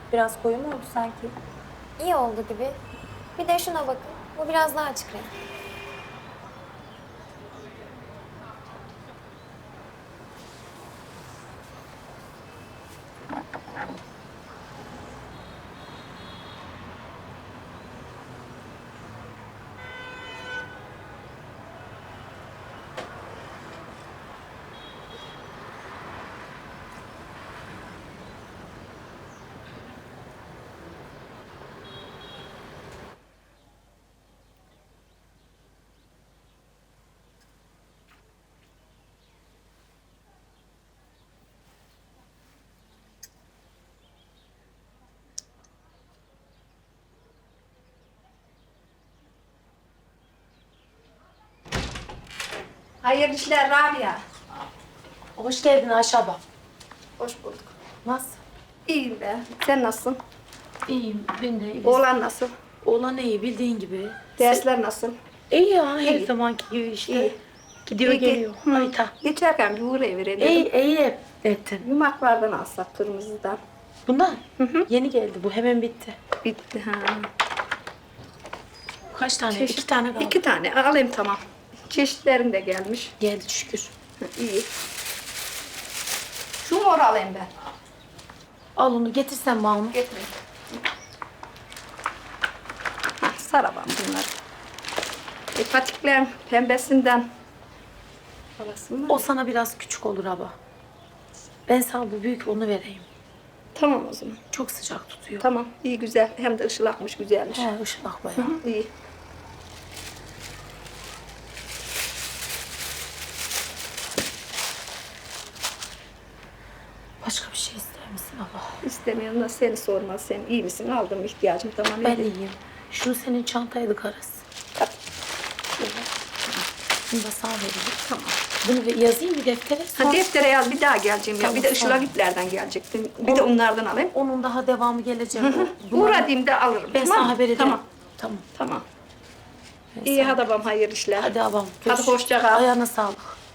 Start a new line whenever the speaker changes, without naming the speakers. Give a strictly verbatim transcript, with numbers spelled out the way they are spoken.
Biraz koyu mu oldu sanki?
İyi oldu gibi. Bir de şuna bakın. Bu biraz daha açık renk.
Hayırlı işler Rabia.
Hoş geldin Ayşe abla.
Hoş bulduk.
Nasıl?
İyiyim be. Sen nasılsın?
İyiyim, ben de iyiyim.
Oğlan nasıl?
Oğlan iyi, bildiğin gibi.
Dersler nasıl?
İyi ya, her
İyi.
zamanki gibi işte.
İyi.
Gidiyor,
İyi,
geliyor.
Hı.
Hayta.
Geçerken bir uğrayıverelim.
İyi, iyi ettin.
Yumaklardan alsak kırmızıdan.
Bundan?
Hı hı.
Yeni geldi, bu hemen bitti.
Bitti ha.
Kaç tane?
Çeşit-
İki tane kaldı.
İki tane alayım tamam. Çeşitlerin de gelmiş.
Geldi şükür.
Hı, İyi. Şu mor alayım ben.
Al onu, getirsen bana onu.
Getir. Hah, sarabam bunlar. E, patiklerin pembesinden. Alasın mı?
O sana biraz küçük olur abla. Ben sana bu büyük onu vereyim.
Tamam o zaman.
Çok sıcak tutuyor.
Tamam. İyi güzel. Hem de ışılakmış güzelmiş.
He, ışılak bayağı.
Hı hı, iyi.
Başka bir şey ister misin abla?
İstemiyorum da seni sormaz. Sen iyi misin? Aldım ihtiyacım tamam.
Ben
iyi.
iyiyim. Şu senin çantaydı Karas.
Tabii.
Bunu da sana vereyim.
Tamam.
Bunu bir yazayım bir deftere.
Ha,
Sonra
deftere yaz bir daha geleceğim ya.
Tamam,
Bir de
tamam.
ışılakiplerden gelecektim. Bir de onlardan alayım.
onun daha devamı gelecek. Bunları-
Uğradığımda alırım.
Ben
tamam mı?
sana haber ederim.
Tamam.
Tamam.
Tamam.
Ben
İyi
sana-
hadi babam hayırlı işler.
Hadi abam.
Hadi hoşça kal.
Ayağına sağlık.